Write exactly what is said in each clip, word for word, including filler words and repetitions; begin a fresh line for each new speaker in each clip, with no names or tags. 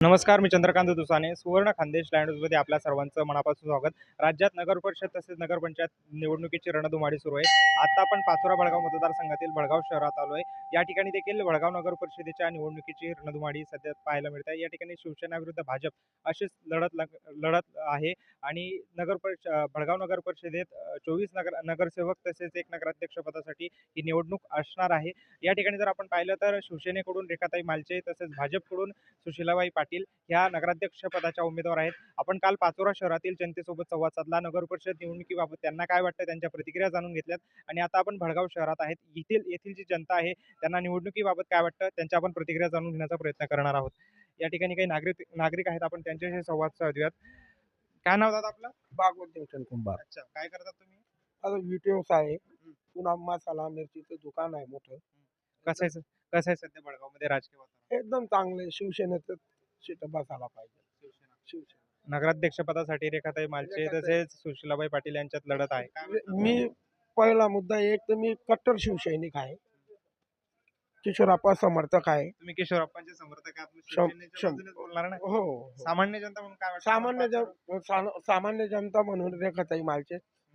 नमस्कार, मी चंद्रकांत दुसाने. सुवर्ण खानदेश लँडमध्ये आपल्या सर्वांचं मनापासून स्वागत. राज्यात नगर परिषद तसेच नगरपंचायत निवडणुकीची रणधुमाळी सुरू आहे. आता आपण पाचोरा भडगाव मतदारसंघातील भडगाव शहरात आलो आहे. या ठिकाणी देखील भडगाव नगर परिषदेच्या निवडणुकीची रणधुमाळी सध्या पाहायला मिळते. या ठिकाणी शिवसेना विरुद्ध भाजप अशीच लढत लग लढत आहे आणि नगर परिष भडगाव नगर परिषदेत चोवीस नगर नगरसेवक तसेच एक नगराध्यक्ष पदासाठी ही निवडणूक असणार आहे. या ठिकाणी जर आपण पाहिलं तर शिवसेनेकडून रेखाताई मालचे तसेच भाजपकडून सुशीलाबाई पाटील ह्या नगराध्यक्ष पदाच्या उमेदवार आहेत. आपण काल पाचोरा शहरातील जनतेसोबत संवाद साधला. नगर परिषद निवडणुकीबाबत त्यांना काय वाटतं त्यांच्या प्रतिक्रिया जाणून घेतल्यात आणि आता आपण भडगाव शहरात आहेत. येथील येथील जी जनता आहे त्यांना निवडणुकीबाबत काय वाटतं त्यांच्या आपण प्रतिक्रिया जाणून घेण्याचा प्रयत्न करणार आहोत. या ठिकाणी काही नागरिक नागरिक आहेत, आपण त्यांच्याशी संवाद साधूयात. काय नाव दादा आपलं?
भागवत देवचंद कुंभार.
अच्छा, काय करतात तुम्ही?
आता विटेवस आहे, पुन्हा मसाला मिरचीचं दुकान आहे मोठं.
कसं आहे कसं आहे सध्या भडगावमध्ये राजकीय वातावरण?
एकदम चांगले. शिवसेनेचं सीट बसायला पाहिजे.
शिवसेना
शिवसेना
नगराध्यक्ष पदासाठी रेखाताई मालचे
रेखाताई-
तसेच सुशीलाबाई पाटील यांच्यात लढत आहे. काय वाटतं?
मी पहिला मुद्दा एक तर मी कट्टर शिवसैनिक आहे, किशोरप्पा समर्थक आहे.
तुम्ही किशोरप्पांचे समर्थक आहात, मग
शं-
शिवसेनेच्या
शं-
बाजूनेच बोलणार ना?
हो हो.
सामान्य जनता म्हणून काय वाटतं?
सामान्य जन सा- सामान्य जनता म्हणून रेखाताई मालचे.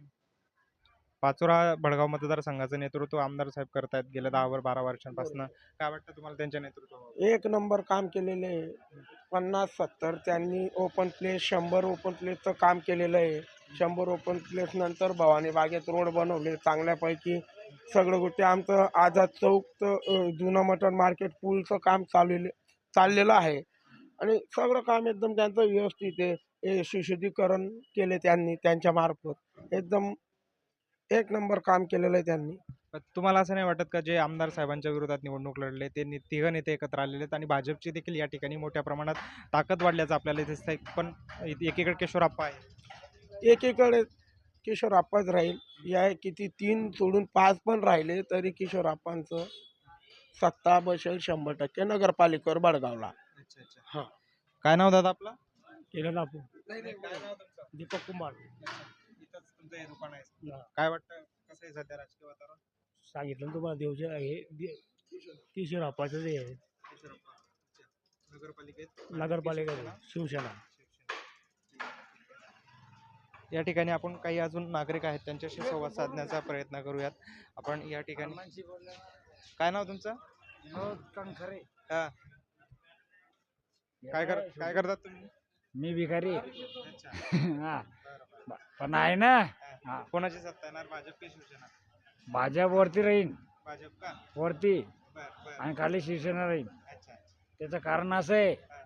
पाचोरा भडगाव मतदारसंघाचं नेतृत्व आमदार साहेब करतायत गेल्या दहा वर बारा वर्षांपासून. काय वाटतं तुम्हाला त्यांच्या नेतृत्वावर?
एक नंबर काम केलेले आहे. पन्नास सत्तर त्यांनी ओपन प्लेस, शंभर ओपन प्लेसचं काम केलेलं आहे. शंभर ओपन प्लेस नंतर भवानी बागेत रोड बनवले चांगल्यापैकी. सगळं गोष्टी आमचं आझाद चौकचं जुनं मटण मार्केट पूलचं काम चाललेलं चाललेलं आहे आणि सगळं काम एकदम त्यांचं व्यवस्थित आहे. हे सुशुद्धीकरण केले त्यांनी त्यांच्या मार्फत. एकदम एक नंबर काम केलेलं आहे त्यांनी.
पण तुम्हाला असं नाही वाटत का जे आमदार साहेबांच्या विरोधात निवडणूक लढले ते नि- तिघ नेते एकत्र आलेले आहेत आणि भाजपची देखील या ठिकाणी मोठ्या प्रमाणात ताकद वाढल्याचं आपल्याला दिसतंय, पण एकीकडे किशोरप्पा आहे.
एकीकडे किशोरप्पाच राहील. या किती तीन सोडून पाच पण राहिले तरी किशोरप्पांचं सत्ता बसेल शंभर टक्के नगरपालिकेवर भडगावला.
अच्छा अच्छा.
हां.
काय नाव दादा आपलं?
केलं ना आपण.
काय नाव तुमचं?
दीपक कुमार.
इथंच तुमचं हे दुकान आहे.
हा.
काय वाटतं कसं आहे सध्या राजकीय वातावरण?
सांगितलं ना तुम्हाला देवचे हे किशोरप्पाचं जे आहे
किशोरप्पा. अच्छा. नगरपालिकेत
नगरपालिका शिवसेना.
या ठिकाणी आपण काही अजून नागरिक आहेत त्यांच्याशी संवाद साधण्याचा प्रयत्न करूयात. आपण या ठिकाणी काय नाव तुमचं? हा. काय कर काय करतात तुम्ही?
मी भिकारी.
अच्छा.
हा
बरं, बरं.
पण आहे ना,
हा. कोणाची सत्ता येणार, भाजप की शिवसेना?
भाजप वरती राहीन,
भाजप का?
वरती
बर बर.
आणि खाली शिवसेना राहीन.
अच्छा.
त्याचं कारण असं आहे
हा.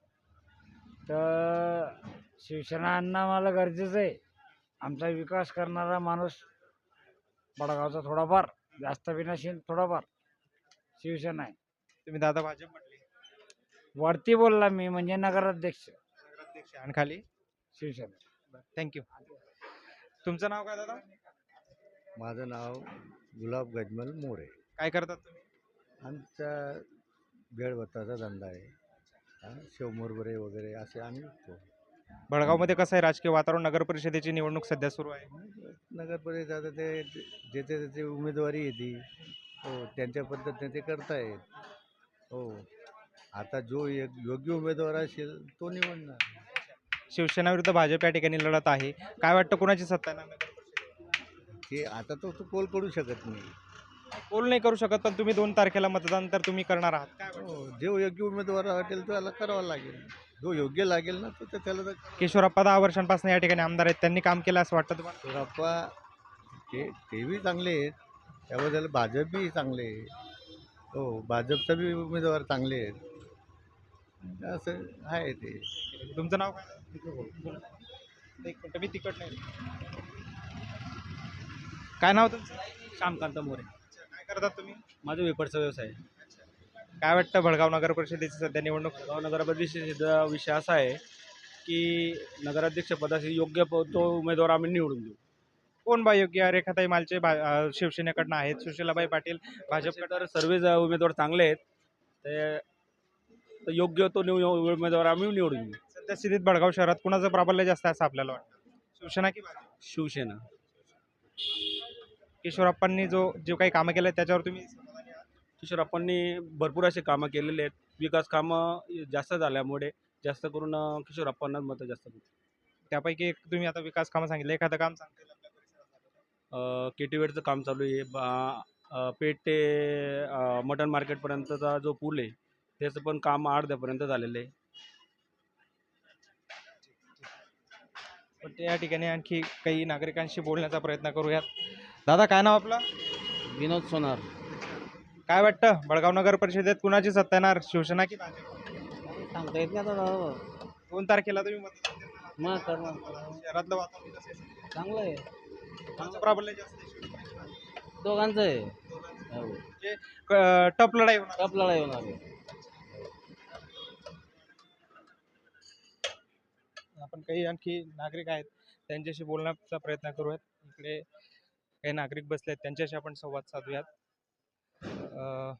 तर शिवसेना आणणं आम्हाला गरजेचं आहे. आमचा विकास करणारा माणूस बडगावचा थोडाफार, जास्त बी नसेल थोडाफार शिवसेना आहे.
तुम्ही दादा भाजप म्हटले.
वरती बोलला मी म्हणजे नगराध्यक्ष
नगराध्यक्ष आणि खाली
शिवसेना.
थँक्यू. तुमचं नाव काय दादा?
माझं नाव गुलाब गजमल मोरे.
काय करतात तुम्ही?
आमचा भेळभत्ताचा धंदा आहे. हा, शेवमुरबरे वगैरे असे आम्ही विकतो.
भडगावमध्ये कसं आहे राजकीय वातावरण? नगर परिषदेची निवडणूक सध्या सुरू आहे.
नगर परिषद ते ज्याचे त्याची उमेदवारी येते, हो त्यांच्या पद्धतीने ते करतायत. हो, आता जो एक योग्य उमेदवार असेल तो निवडणार.
शिवसेना विरुद्ध भाजप या ठिकाणी लढत आहे. काय वाटतं कोणाची सत्ता येणार नगर परिषदेत?
ते आता तो तो कोल करू शकत नाही.
पोल नाही करू शकत, पण तुम्ही दोन तारखेला मतदान तर तुम्ही करणार आहात. काय वाटतं?
हो, जो योग्य उमेदवार वाटेल त्याला करावं लागेल. जो योग्य लागेल ना तो त्याला तर
किशोरप्पा दहा वर्षांपासून या ठिकाणी आमदार आहेत, त्यांनी काम केलं असं वाटतं तुम्हाला?
सुरप्पा ते ते बी चांगले आहेत. त्याबद्दल भाजप बी चांगले आहे. हो, भाजपचा बी उमेदवार चांगले आहेत. असं आहे ते.
तुमचं नाव काय? एक मिनिट, मी तिकट नाही. काय नाव तुमचं?
श्यामकांत मोरे.
काय करतात तुम्ही?
माझा वेपरचा व्यवसाय.
काय वाटतं भडगाव नगर परिषदेची सध्या निवडणूक?
गाव नगरपरिषदेचा विषय असा आहे की नगराध्यक्षपदासाठी योग्य प- तो उमेदवार आम्ही निवडून देऊ.
कोण बा योग्य? रेखाताई मालचे भा- अं, शिवसेनेकडनं आहेत, सुशीलाबाई पाटील भाजपकडे.
तर सर्व उमेदवार चांगले आहेत. ते तर योग्य तो निव उमेदवार आम्ही निवडून देऊ.
सध्या स्थितीत भडगाव शहरात कुणाचं प्राबल्य जास्त आहे असं आपल्याला वाटतं? शिवसेना की भाजप?
शिवसेना.
किशोरप्पांनी जो जे काही कामं केलं त्याच्यावर तुम्ही समाधानी आहात?
किशोरप्पांनी भरपूर असे कामं केलेले आहेत. विकास कामं जास्त झाल्यामुळे
जास्त करून अं, किशोर अप्पांनाच मतं जास्त पडतील.
त्यापैकी एक तुम्ही आता विकास कामं सांगितलं, एखादं काम सांगता येईल आपल्या परिसरात?
केटीवेडचं काम चालू आहे. बा- अं, पेठ ते अं, मटण मार्केटपर्यंतचा जो पूल आहे त्याचं पण काम अर्ध्यापर्यंत झालेलं आहे.
पण ते या ठिकाणी आणखी काही नागरिकांशी बोलण्याचा प्रयत्न करूयात. दादा, काय नाव आपलं?
विनोद सोनार.
काय वाटतं, बळगाव नगर परिषदेत कुणाची सत्ता येणार, शिवसेना की भाजप?
सांगता येत नाही आता.
दोन तारखेला तुम्ही मतदान देणार आहात.
मग करणार
शहरातलं वातावरण कसं आहे सध्या?
चांगलं आहे.
कोणाचं प्राबल्य जास्त आहे, शिवसेना की भाजप?
दोघांचं आहे. हो.
म्हणजे क- टप लढाई होणार.
टप लढाई होणार आहे.
आपण काही आणखी नागरिक आहेत त्यांच्याशी बोलण्याचा प्रयत्न करूयात. इकडे काही नागरिक बसले आहेत, त्यांच्याशी आपण संवाद साधूयात. अं,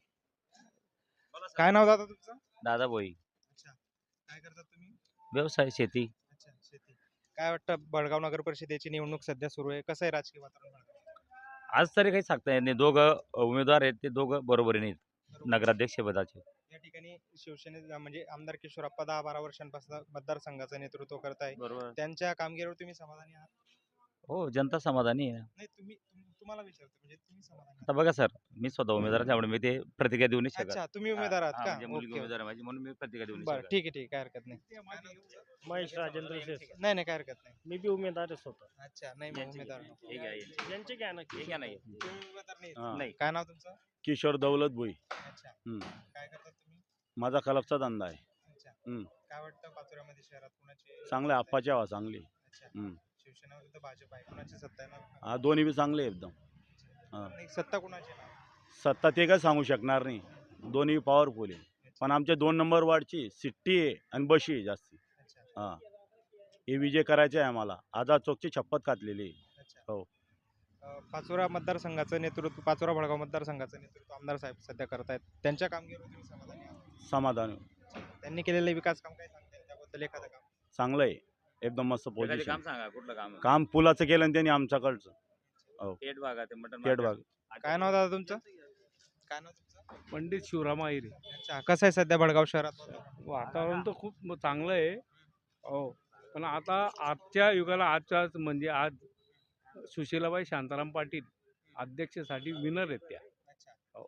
काय नाव दादा तुमचं?
दादा भोई.
अच्छा, काय करतात तुम्ही?
व्यवसाय शेती.
अच्छा, शेती. काय वाटतं, बळगाव नगर परिषदेची निवडणूक सध्या सुरू आहे, कसं आहे राजकीय वातावरण बळगावात?
आज तरी काही सांगता येत नाही. दोघं उमेदवार आहेत ते दोघं बरोबरीने आहेत
बरोबर.
नगराध्यक्ष पदाचे.
या ठिकाणी शिवसेने म्हणजे आमदार किशोरप्पा दहा बारा वर्षांपासून मतदारसंघाचं नेतृत्व करताय,
बरोबर.
त्यांच्या कामगिरीवर तुम्ही समाधानी आहात?
हो, जनता समाधानी आहे.
नाही, तुम्ही तुम- तुम्हाला विचारतो, म्हणजे तुम्ही समाधानी
आता बघा सर, मी स्वतः उमेदवार आहे, त्यामुळे मी ते प्रतिक्रिया देऊ नाही
आहात?
शकत.
अच्छा, तुम्ही
हा,
उमेदवार
हा,
आहात का?
म्हणजे मुलगी
ओके,
उमेदवार आहे माझी, म्हणून मी प्रतिक्रिया देऊ नाही
बरं,
शकत.
ठीक आहे, ठीक आहे, काय हरकत नाही.
महेश राजेंद्र शेठ.
नाही नाही, काय हरकत नाही.
मी बी उमेदवारच होतो.
अच्छा, नाही मग
यांची-
उमेदवार
हे घ्या, यांची.
यांचे घ्या ना
हे घ्या नाही.
तुम्ही उमेदवार नाही.
हा.
नाही.
काय नाव तुमचं?
किशोर दौलत भुई.
अच्छा,
हम्म.
काय करतात तुम्ही?
माझा कलपचा धंदा आहे.
अच्छा,
हम्म.
काय वाटतं पाचोऱ्यामध्ये शहरात कुणाची
चांगले आप्पाची हवा चांगली.
अच्छा,
हम्म.
शिवसेना विरुद्ध भाजप आहे, कुणाची सत्ता येणार?
हा दोन्ही बी चांगले आहे एकदम. हा.
नाही, सत्ता कुणाची येणार?
सत्ता ते काय सांगू शकणार नाही, दोन्ही पॉवरफुल आहे. पण आमच्या दोन नंबर वार्डची सिट्टी आहे आणि बशी आहे जास्ती.
अच्छा,
हा, हे विजय करायचे आहे आम्हाला. आझाद चौकची शपथ घातलेली आहे.
अच्छा.
हो.
अं, पाचोरा मतदारसंघाचं नेतृत्व, पाचोरा बळगाव मतदारसंघाचं नेतृत्व आमदार साहेब सध्या करतायत, त्यांच्या कामगिरीवर तुम्ही समाधानी आहात?
समाधान
त्यांनी केलेले विकास काम काय सांगता येईल त्याबद्दल एखादं काम?
चांगलं आहे, एकदम मस्त
एखादे
पोझिशन.
काम सांगा, कुठलं काम?
काम पुलाचं केलं आणि त्यांनी आमच्याकडचं.
पेट भागा ते मटण
पेट भाग.
काय नाव दादा तुमचं? काय नाव तुमचं?
पंडित शिवराम आहिरे.
अच्छा, कसं आहे सध्या बळगाव शहरात वातावरण?
वातावरण तर खूप म- चांगलं आहे. हो. पण आता आजच्या युगाला आजच्या म्हणजे आज सुशीलाबाई शांताराम पाटील अध्यक्षसाठी विनर आहेत त्या.
अच्छा.
हो.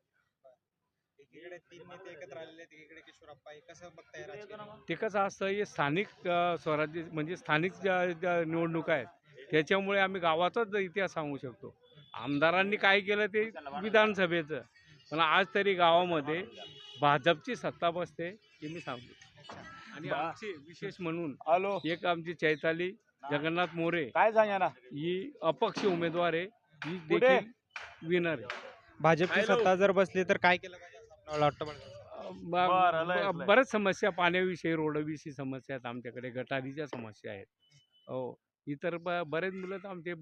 एकीकडे तीन नेते एकत्र आलेले आहेत, एकीकडे किशोरप्पा आहे. कसं बघताय राजकीय?
ते कसं असतं, हे स्थानिक अ, स्वराज्य म्हणजे स्थानिक ज्या ज्या निवडणुका आहेत त्याच्यामुळे आम्ही गावाचाच इतिहास सांगू शकतो. आमदारांनी काय केलं ते विधानसभेचं, पण आज तरी गावामध्ये भाजपची सत्ता बसते हे मी सांगतो. आणि आमची विशेष म्हणून
हॅलो,
एक आमची चैताली जगन्नाथ मोरे
काय सांगा ना.
ही अपक्ष उमेदवार आहे, ही
कुठे?
देखील विनर आहे.
भाजपची
हॅलो.
सत्ता जर बसली तर काय केलं पाहिजे असं आपल्याला वाटतं बळगावात?
ब-
बरं, लय-
ब-
लय.
बऱ्याच समस्या, पाण्याविषयी, रोडविषयी समस्या आहेत आमच्याकडे, गटारीच्या समस्या आहेत. हो. इतर ब बरेच मुलं तर आमचे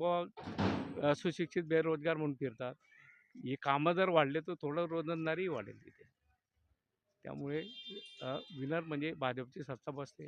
ब सुशिक्षित बेरोजगार म्हणून फिरतात. हे कामं जर वाढले तर थोडं रोजंदारीही वाढेल तिथे. त्यामुळे विनर म्हणजे भाजपची सत्ता बसते.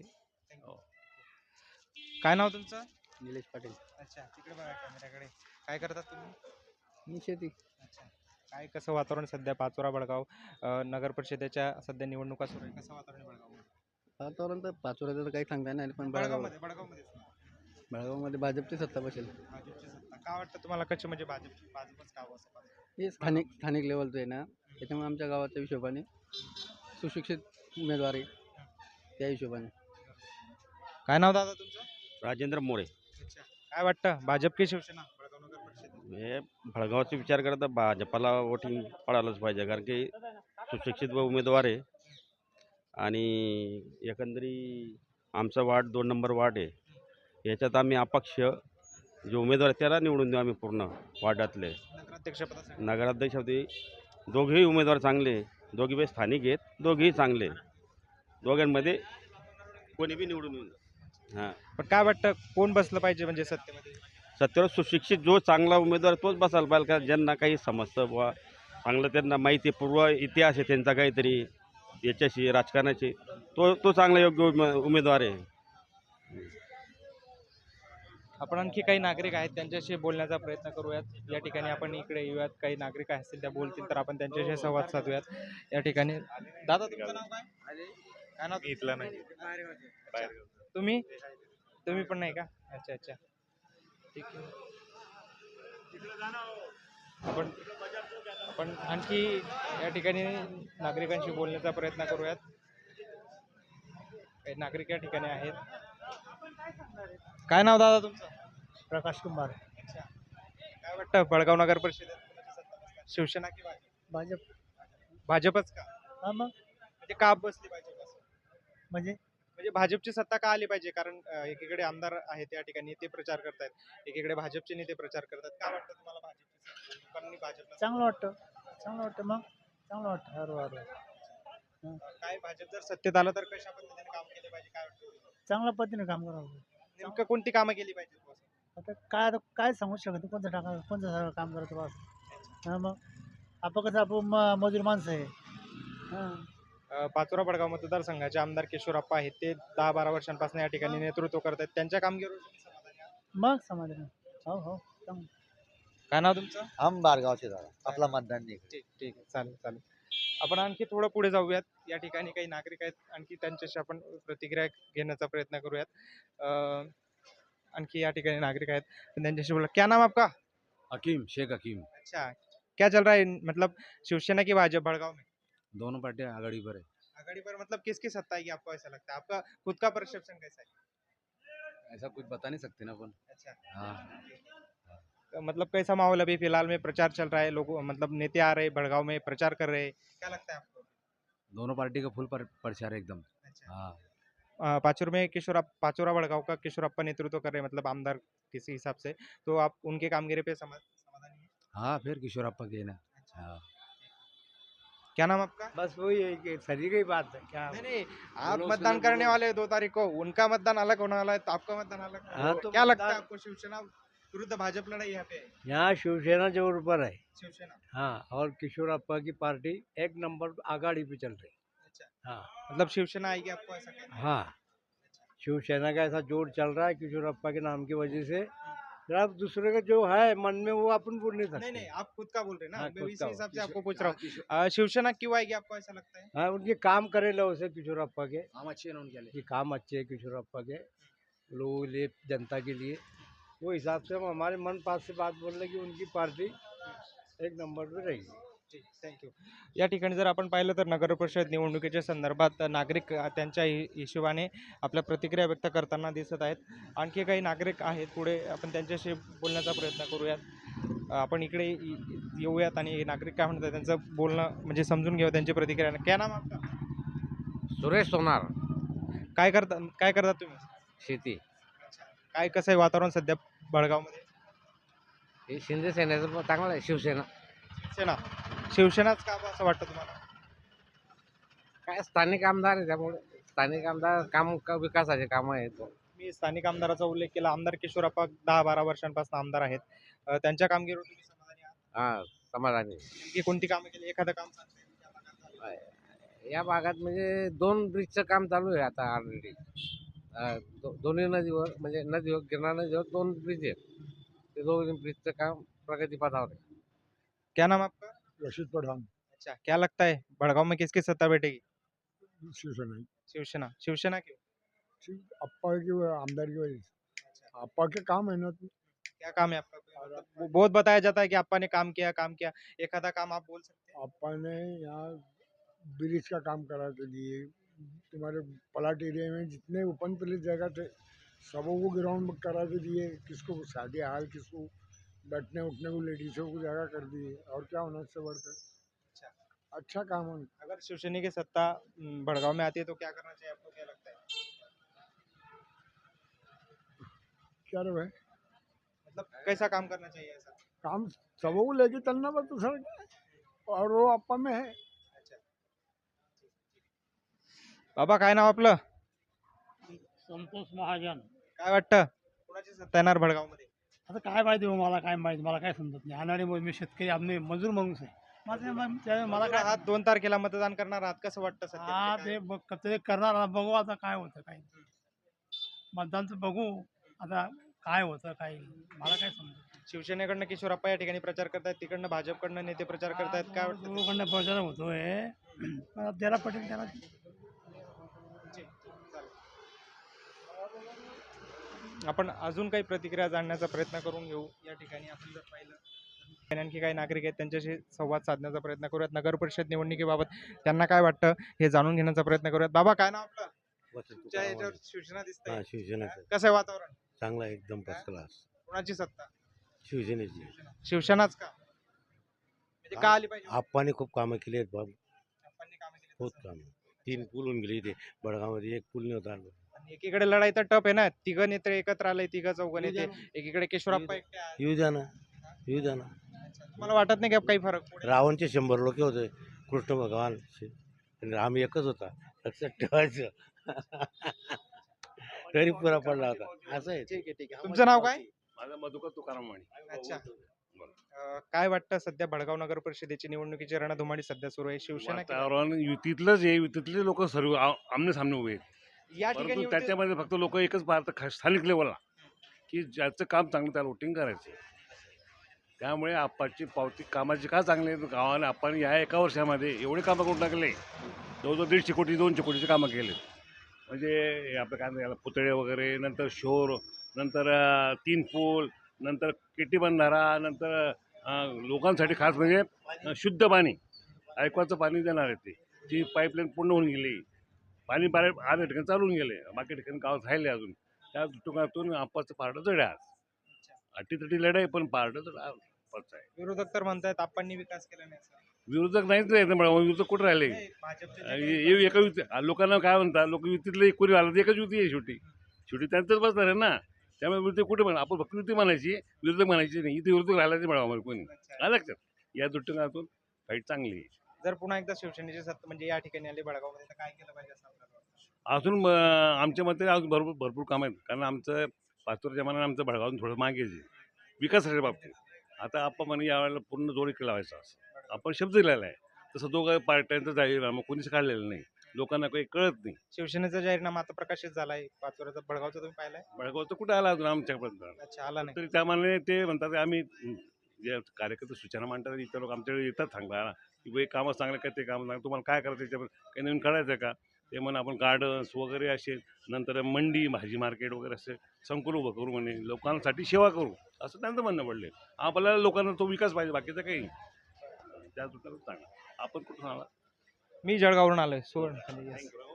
काय नाव तुमचं?
निलेश पाटील.
अच्छा, तिकडे बघा कॅमेऱ्याकडे. काय करतात तुम्ही?
मी शेती.
अच्छा, काय कसं वातावरण सध्या पाचोरा बळगाव अं, नगर परिषदेच्या सध्या निवडणुका सुरू आहे, कसं वातावरण आहे बळगावमध्ये?
वातावरण तर पाचोऱ्याचं तर काही सांगता नाही, पण बेळगाव
बळगावमध्ये बळगावमध्ये
बेळगावमध्ये भाजपची सत्ता बसेल.
भाजपची सत्ता काय वाटतं तुम्हाला, कशी म्हणजे भाजप भाजपच का असं वाटतं?
हे स्थानिक स्थानिक लेवलचं आहे ना, त्याच्यामुळे आमच्या गावाच्या हिशोबाने सुशिक्षित उमेदवार आहे त्या हिशोबाने.
काय नाव दादा तुमचं?
राजेंद्र मोरे.
अच्छा, काय वाटतं, भाजप की शिवसेना बळगाव नगर परिषद?
हे भडगावचा विचार करता भाजपाला वोटिंग पडायलाच पाहिजे, कारण की सुशिक्षित व उमेदवार आहे. आणि एकंदरी आमचा वार्ड दोन नंबर वार्ड आहे, याच्यात आम्ही अपक्ष जे उमेदवार आहेत त्याला निवडून देऊ आम्ही पूर्ण वार्डातले.
नगराध्यक्षपदासाठी
नगराध्यक्ष होते दोघेही उमेदवार चांगले, दोघे बी स्थानिक आहेत, दोघेही चांगले. दोघांमध्ये कोणी बी निवडून येऊन हां.
पण काय वाटतं, कोण बसलं पाहिजे म्हणजे सत्तेमध्ये?
सत्तेवर सुशिक्षित जो चांगला उमेदवार तोच बसायला पाहिजे, का ज्यांना काही समजतं बुवा, चांगलं त्यांना माहिती आहे, पूर्व इतिहास आहे त्यांचा काहीतरी याच्याशी राजकारणाची, तो तो चांगला योग्य उमे उमेदवार आहे.
आपण आणखी काही नागरिक आहेत त्यांच्याशी बोलण्याचा प्रयत्न करूयात. या ठिकाणी आपण इकडे येऊयात, काही नागरिक असतील त्या बोलतील तर आपण त्यांच्याशी संवाद साधूयात. या ठिकाणी दादा तुमचं नाव काय? काय नाव
इथला नाही
तुम्ही तुम्ही पण नाही का? अच्छा अच्छा ठीक आहे. आपण आपण आणखी या ठिकाणी नागरिकांशी बोलण्याचा प्रयत्न करूयात. काही नागरिक या ठिकाणी आहेत. काय नाव दादा तुमचं?
प्रकाश कुमार.
अच्छा. काय वाटतं बळगाव नगर परिषदेत शिवसेना की भाजप?
भाजप.
भाजपच का?
हा मग
म्हणजे का बसली भाजप असं?
म्हणजे
म्हणजे भाजपची सत्ता का आली पाहिजे? कारण अं, एकीकडे आमदार आहेत या ठिकाणी ते प्रचार करतायत, एकीकडे भाजपचे नेते प्रचार करतात. का वाटतं तुम्हाला भाजपची सत्ता? लोकांनी भाजपला
चांगलं वाटतं चांगलं वाटतं मग चांगलं वाटतं बरोबर
काय भाजप जर सत्तेत आलं तर कशा पद्धतीने काम केले पाहिजे काय वाटतं?
चांगल्या पद्धतीने काम करावं.
नेमकं कोणती कामं केली पाहिजे बुवा असं?
आता काय आता काय सांगू शकत नाही, कोणतं टाका कोणतं सगळं काम करतो बस. हां मग आपण कसं आपण म मजूर माणसं आहे. हां
अं, पाचोरा बडगाव मतदारसंघाचे आमदार किशोरप्पा आहेत, ते दहा बारा वर्षांपासून या ठिकाणी नेतृत्व करत आहेत. त्यांच्या कामगिरीवर तुम्ही समाधानी आहात?
मग समाधान हो हो चांगलं.
काय नाव तुमचं?
हम बारगावचे दादा आपला मतदान नाही
ठीक ठीक आहे चालेल चालेल. आपण आणखी थोडं पुढे जाऊयात. या ठिकाणी काही नागरिक आहेत, आणखी त्यांच्याशी आपण प्रतिक्रिया घेण्याचा प्रयत्न करूयात. अं, आणखी या ठिकाणी नागरिक आहेत, आपण त्यांच्याशी बोला. क्या नाम आपका?
हकीम शेख हकीम
अच्छा. क्या चल रहा है मतलब शिवसेना की भाजपा बड़गांव में?
दोनों पार्टियां आघाड़ी पर है
आघाड़ी पर मतलब किसकी सत्ता आएगी आपको ऐसा लगता है? आपका खुद का परसेप्शन कैसा है?
ऐसा कुछ बता नहीं सकते ना अपन
अच्छा.
हाँ
तो मतलब कैसा माहौल अभी फिलहाल में प्रचार चल रहा है, लोग मतलब नेते आ रहे हैं बड़गांव में प्रचार कर रहे हैं, क्या लगता है आपको?
दोनों पार्टी का फुल पर, प्रचार है एकदम
अच्छा.
हाँ
अ, पाचोर में किशोर पाचोरा बड़गांव का किशोरप्पा नेतृत्व कर रहे हैं मतलब आमदार किसी हिसाब से, तो आप उनके कामगिरी पे समा- समाधानी हैं?
हाँ फिर किशोरप्पा के ना हाँ
क्या नाम आपका?
बस वही है कि सही की बात है क्या.
नहीं नहीं आप मतदान करने वाले हैं दो तारीख को, उनका मतदान अलग होने वाला है तो आपका मतदान अलग होने वाला
हाँ,
है.
तो
क्या लगता है
मतदान-
आपको शिवसेना विरुद्ध भाजपा लड़ाई यहाँ पे है?
यहाँ शिवसेना जोर पर है.
शिवसेना.
हाँ और किशोरप्पा की पार्टी एक नंबर आगाड़ी पे चल रही.
अच्छा.
हाँ
मतलब शिवसेना आएगी आपको ऐसा कहना है?
हाँ शिवसेना का ऐसा जोर चल रहा है किशोरप्पा के नाम की वजह से. अब दूसरे का जो है मन में वो अपन बोल नहीं
नहीं
सकते.
नहीं आप खुद का बोल रहे हैं ना,
हाँ,
मैं
खुद
इसी
का।
हिसाब से आपको पूछ रहा हूँ. अ, शिवसेना क्यों आएगी आपको ऐसा लगता है?
हाँ उनके काम करे लो उसे किशोरप्पा के.
काम अच्छे हैं उनके लिए
ये काम अच्छे है किशोरप्पा के लोगों के लिए जनता के लिए. वो हिसाब से हम हमारे मन पास से बात बोल रहे कि उनकी पार्टी एक नंबर पे रहेगी.
थँक्यू. या ठिकाणी जर आपण पाहिलं तर नगर परिषद निवडणुकीच्या संदर्भात नागरिक अ, त्यांच्या हि- हिशोबाने आपल्या प्रतिक्रिया व्यक्त करताना दिसत आहेत. आणखी काही नागरिक आहेत, पुढे आपण त्यांच्याशी बोलण्याचा प्रयत्न करूयात. अ, आपण इकडे इ- इ- येऊयात आणि नागरिक काय म्हणतात त्यांचं बोलणं म्हणजे समजून घेऊ त्यांची प्रतिक्रिया. क्या नाम आपका?
सुरेश सोनार
काय करता काय करता तुम्ही?
शेती
काय कसं आहे वातावरण सध्या बळगावमध्ये?
हे शिंदे सेनेचं चांगलं आहे शिवसेना
शिवसेना. शिवसेनाच का बा असं वाटतं तुम्हाला?
काय स्थानिक आमदार आहे त्यामुळे स्थानिक आमदार काम क- विकासाचे काम आहेत
मी स्थानिक आमदाराचा उल्लेख केला. आमदार किशोरप्पा दहा बारा वर्षांपासून आमदार आहेत. अ, त्यांच्या कामगिरीवर तुम्ही समाधानी आहात?
हा समाधानी
नेमकी कोणती कामं केली? एखादं काम सांगता येईल त्या भागात झालं?
या भागात म्हणजे दोन ब्रिजचं काम चालू आहे आता ऑलरेडी दोन्ही नदीवर म्हणजे नदीवर गिरणा नदीवर दोन ब्रिज आहेत ते दोन ब्रिजचं काम प्रगतीपथावर आहे.
क्या नाम आपका?
रशीद पठान.
अच्छा. क्या लगता है बड़गांव में किसकी सत्ता बैठेगी?
शिवसेना
शिवसेना. शिवसेना क्यों?
अप्पा की आमदार की वजह से. अप्पा के काम है ना.
क्या काम है आपका? कोई मतलब वो बहुत बताया जाता है कि आपा ने काम किया काम किया, एखादा काम आप बोल सकते हैं?
अप्पा ने यहाँ ब्रिज का काम करा के दिए. तुम्हारे प्लाट एरिया में जितने ओपन प्लेस जगह थे सबों को ग्राउंड करा के दिए. किसको शादी हाल किसको बैठने उठने को लेडीज़ों को जगह कर दिए. और क्या होना इससे बढ़कर.
अच्छा.
अच्छा काम है.
अगर शिवसेना की सत्ता हम्म, बड़गांव में आती है तो क्या करना चाहिए आपको क्या लगता है?
क्या रे भाई
मतलब कैसा काम करना चाहिए ऐसा?
काम सबों को लेके चलना बस दूसरा क्या है? और वो अप्पा में है.
अच्छा. बाबा काय नाव आपलं?
संतोष महाजन.
काय वाटतं कुणाची सत्ता येणार बडगाव मध्ये?
आता काय माहिती हो मला काय माहिती मला काय समजत नाही. अनाडी मी शेतकरी आम्ही मजूर माणूस आहे. माझं मग त्या- मला काय
आहात दोन तारखेला मतदान करणार आहात, कसं वाटतं सध्या?
हा
म्हणजे
ते
काय?
बघ ते करणार आता बघू आता काय होतं काय मतदानचं बघू आता काय होतं काय नाही. मला काय समजत
शिवसेनेकडनं किशोरप्पा या ठिकाणी प्रचार करतायत, तिकडनं भाजपकडनं नेते प्रचार करतायत, काय वाटतं?
दोघांना प्रचार होतोय. पण ज्याला पटेल त्याला
आपण अजून काही प्रतिक्रिया जाणण्याचा प्रयत्न करून घेऊ. या ठिकाणी आपण जर पाहिलं तर आणखी काही नागरिक आहेत, त्यांच्याशी संवाद साधण्याचा प्रयत्न करूयात. नगर परिषद निवडणुकीबाबत त्यांना काय वाटतं हे जाणून घेण्याचा प्रयत्न करूयात. बाबा, काय नाव आपलं? तुमच्या याच्यावर शिवसेना दिसतंय,
शिवसेनेचं
कसं आहे वातावरण?
चांगला आहे, एकदम फर्स्ट क्लास.
कोणाची सत्ता?
शिवसेनेची
शिवसेनाच का? म्हणजे का आली पाहिजे?
आप्पाने खूप कामं केली आहेत बाबा,
आप्पांनी कामं केली
बहुत
तसं.
कामं. तीन पूल होऊन गेले इथे बडगावमध्ये, एक पूल नव्हता.
आणि एकीकडे लढाई तर टप आहे ना, तिघं नेते एकत्र आले, तिघं चौघं नेते, एकीकडे केशवराप्पा एकटे आहेत.
येऊ द्या ना, येऊ द्या ना.
तुम्हाला वाटत नाही का काही फरक पडेल?
रावणचे शंभर लोक होते, कृष्ण भगवान आणि राम एकच होता, लक्षात ठेवायचं. तरी पुरा पडला होता. असं आहे.
ठीक आहे, ठीक आहे. तुमचं नाव काय?
माझा मधुकर तुकाराम माने.
अच्छा. अं, काय वाटतं सध्या भडगाव नगर परिषदेची निवडणुकीची रणधुमाळी सध्या सुरू आहे, शिवसेना की-
वातावरण युतीतलंच आहे, युतीतले लोक सर्व आमने सामने उभे आहेत.
या ठिकाणी
परंतु
युती-
त्याच्यामध्ये फक्त लोक एकच पाहतात खा- स्थानिक लेवलला, की ज्याचं काम चांगलं त्याला वोटिंग करायचं. त्यामुळे आप्पाची पावती कामाची का चांगली आहे, गावाने आपण या एका वर्षामध्ये एवढे कामं करून टाकले, जवळजवळ दीडशे कोटी दोनशे कोटीचे कामं केले. म्हणजे हे आपलं काय म्हणतात याला, पुतळे वगैरे, नंतर शोर, नंतर अं, तीन पूल, नंतर केटी बंधारा, नंतर अं, लोकांसाठी खास म्हणजे अं, शुद्ध पाणी, ऐकवाचं पाणी देणार आहे ते. ती पाईपलाईन पूर्ण होऊन गेली, पाणी बारा आठ ठिकाणी चालून गेले, बाकी ठिकाणी गावात राहिले अजून. त्या दृष्टिकोनातून आप्पाचं पारडं जड आहे. आज अटीतटी लढाई, पण पारडं तर आप्पाचं आहे.
विरोधक तर म्हणतायत आप्पांनी विकास केला नाही असं.
विरोधक नाहीच राहत ना, विरोधक कुठं राहिले?
नाही, भाजपचे जे
आणि
काही-
हे एका युती लोकांना काय म्हणतात, लोक युतीतले कोणी आलं एकच युती आहे, शेवटी शेवटी त्यांचंच बसणार आहे ना. त्यामुळे विरोधक कुठे म्हणा, आपण फक्त युती म्हणायची, विरोधक म्हणायची नाही. इथे विरोधक राहिला नाही मिळावा कोणी.
अच्छा.
आलं लक्षात? या दृष्टिकोनातून फाईट चांगली आहे.
जर पुन्हा एकदा शिवसेनेची सत्ता म्हणजे या ठिकाणी आली भडगावमध्ये, तर काय केलं पाहिजे असं आपल्याला वाटतं?
अजून अं, आमच्या मते अजून भरपूर भरपूर काम आहेत. कारण आमचं पाचोरच्या मानाने आमचं भडगावून थोडं मागे आहे विकासाच्या बाबतीत. आता आपण म्हणे यावेळेला पूर्ण जोर इकडे लावायचा असं आपण शब्द दिलेला आहे. तसं दोघं पार्ट्यांचं जाहीरनामा कोणीच काढलेलं नाही, लोकांना काही कळत नाही.
शिवसेनेचा जाहीरनामा आता प्रकाशित झालाय, पाचोऱ्याचा भडगावचा तुम्ही पाहिलाय?
भडगावचं कुठं आला अजून आमच्यापर्यंत?
अच्छा, आला नाही.
तरी त्या मानाने ते म्हणतात की आम्ही हं, जे कार्यकर्ते सूचना मांडतात, इतर लोक आमच्याकडे येतात सांगता की बाई कामं चांगलं काय, ते कामं चांगलं, तुम्हाला काय करायचं, त्याच्यावर काही नवीन करायचं आहे का? ते म्हणून आपण गार्डन्स वगैरे असे, नंतर मंडी, भाजी मार्केट वगैरे असे संकुल उभं करू, म्हणे लोकांसाठी सेवा करू, असं त्यांचं म्हणणं पडले. आपल्याला लोकांना तो विकास पाहिजे, बाकीचं काही नाही. त्या दृष्टीनं चांगलं. आपण कुठून आला?
मी जळगाववरून आलोय, सुवर्ण.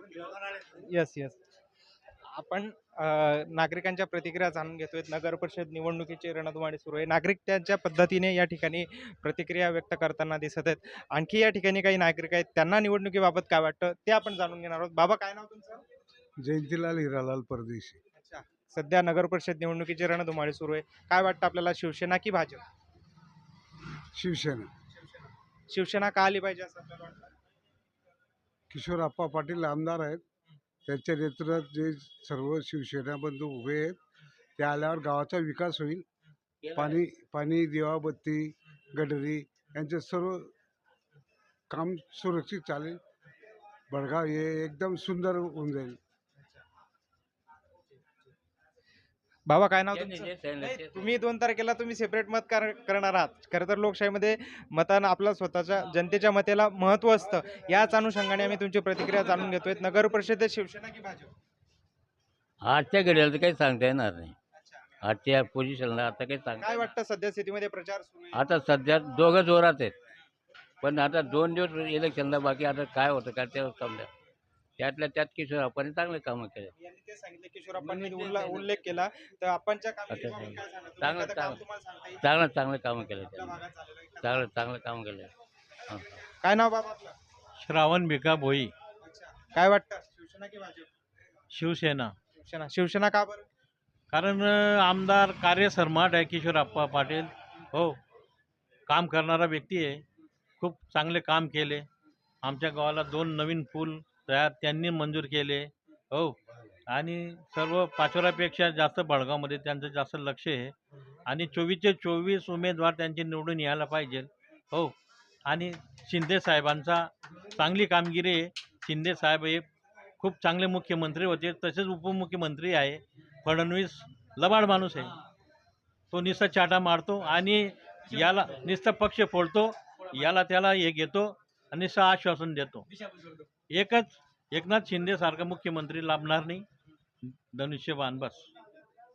Yes yes. आपण अं, नागरिकांच्या प्रतिक्रिया जाणून घेतोय. नगर परिषद निवडणुकीची रणधुमाळी सुरू आहे. नागरिक त्यांच्या पद्धतीने या ठिकाणी प्रतिक्रिया व्यक्त करताना दिसत आहेत. आणखी या ठिकाणी काही नागरिक आहेत, त्यांना निवडणुकीबाबत काय वाटतं ते आपण जाणून घेणार आहोत. बाबा, काय नाव तुमचं?
जयंतीलाल हिरालाल परदेशी.
अच्छा. सध्या नगर परिषद निवडणुकीची रणधुमाळी सुरू आहे. काय वाटतं आपल्याला, शिवसेना की भाजप?
शिवसेना.
शिवसेना का आली पाहिजे असं आपल्याला वाटतं?
किशोर आप्पा पाटील आमदार आहेत, त्यांच्या नेतृत्वात जे सर्व शिवसेना बंधू उभे आहेत, ते आल्यावर गावाचा विकास होईल. पाणी पाणी दिवाबत्ती, गटरी यांचे सर्व काम सुरक्षित चालेल. बडगाव हे एकदम सुंदर होऊन जाईल.
बाबा, काय नाव तुमचं? नाही, तुम्ही दोन तारखेला तुम्ही सेपरेट मत कर- करणार आहात. खरं तर लोकशाहीमध्ये मतानं आपल्या स्वतःच्या जनतेच्या मताला महत्व असतं. याच अनुषंगाने आम्ही तुमची प्रतिक्रिया जाणून घेतोय. नगर परिषदेत शिवसेना की भाजप?
आजच्या घड्याला तर काही सांगता येणार नाही. आजच्या पोझिशनला आता काही सांगता
काय वाटतं सध्या स्थितीमध्ये प्रचार सुरू आहे?
आता सध्या दोघं जोरात आहेत, पण आता दोन दिवस इलेक्शनला बाकी, आता काय होतं काय ते समजा. त्यातल्या त्यात किशोर आपण चांगले कामं केले.
यांनी ते सांगितलं, किशोरप्पांनी उल्ला- उल्लेख केला, तर आपणच्या कामगिरीबाबत काय सांगता? तुम्ही
चांगलं-
एखादं काम
चांगलं.
तुम्हाला सांगता येईल?
चांगलं चांगलं कामं केले
आपल्या
त्यांनी,
भागात झालेलं एखादं?
चांगलं चांगलं काम केलं. हां.
काय नाव बाबा आपलं?
श्रावण भिका भोई,
अच्छा. काय वाटतं, शिवसेना की भाजप?
शिवसेना.
शिवसेना. शिवसेना का बरं?
कारण अ, आमदार कार्य सर्माट आहे किशोरप्पा पाटील. हो, काम करणारा व्यक्ती आहे, खूप चांगले काम केले. आमच्या गावाला दोन नवीन पूल तयार त्यांनी मंजूर केले. हो, आणि सर्व पाचोऱ्यापेक्षा जास्त बडगावमध्ये त्यांचं जास्त लक्ष आहे. आणि चोवीसचे चोवीस उमेदवार त्यांचे निवडून यायला पाहिजे. हो, आणि शिंदे साहेबांचा चांगली कामगिरी आहे. शिंदे साहेब हे खूप चांगले मुख्यमंत्री होते, तसेच उपमुख्यमंत्री आहे. फडणवीस लबाड माणूस आहे, तो नुसता चाटा मारतो आणि याला नुसतं पक्ष फोडतो, याला त्याला हे घेतो आणि नुसतं आश्वासन देतो. एकच एकनाथ शिंदे सारखा मुख्यमंत्री लाभणार नाही, धनुष्यबाण बस.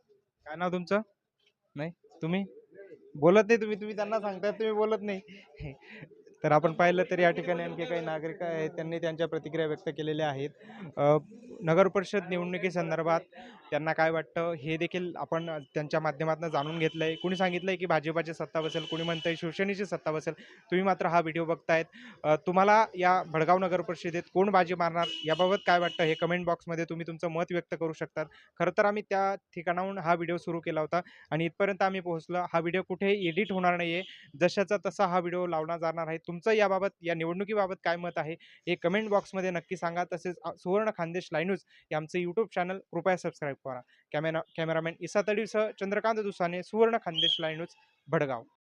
काय नाव तुमचं? नाही तुम्ही बोलत नाही, तुम्ही तुम्ही त्यांना सांगताय, तुम्ही बोलत नाही. तर आपण पाहिलं तर या ठिकाणी आणखी काही नागरिक आहेत, त्यांनी त्यांच्या प्रतिक्रिया व्यक्त केलेल्या आहेत. अ, नगर परिषद निवडणुकीसंदर्भात त्यांना काय वाटतं हे देखील आपण त्यांच्या माध्यमातून जाणून घेतलंय. कुणी सांगितलंय की भाजपाची सत्ता बसेल, कुणी म्हणतंय शिवसेनेची सत्ता बसेल. तुम्ही मात्र हा व्हिडिओ बघतायत. अ, तुम्हाला या भडगाव नगर परिषदेत कोण बाजी मारणार याबाबत काय वाटतं हे कमेंट बॉक्समध्ये तुम्ही तुमचं मत व्यक्त करू शकतात. खरं तर आम्ही त्या ठिकाणाहून हा व्हिडिओ सुरू केला होता आणि इथपर्यंत आम्ही पोहोचलो. हा व्हिडिओ कुठेही एडिट होणार नाहीये. जशाचा तसा हा व्हिडिओ लावला जाणार आहे. तुमचं याबाबत या निवडणुकीबाबत काय मत आहे हे कमेंट बॉक्समध्ये नक्की सांगा. तसेच अ, सुवर्ण खानदेश लाईव्ह न्यूज हे आमचं यूट्यूब चॅनल कृपया सबस्क्राईब करा. कॅमेरा कॅमेरामॅन इसा तडवीसह चंद्रकांत दुसाने, सुवर्ण खानदेश लाईव्ह न्यूज, भडगाव.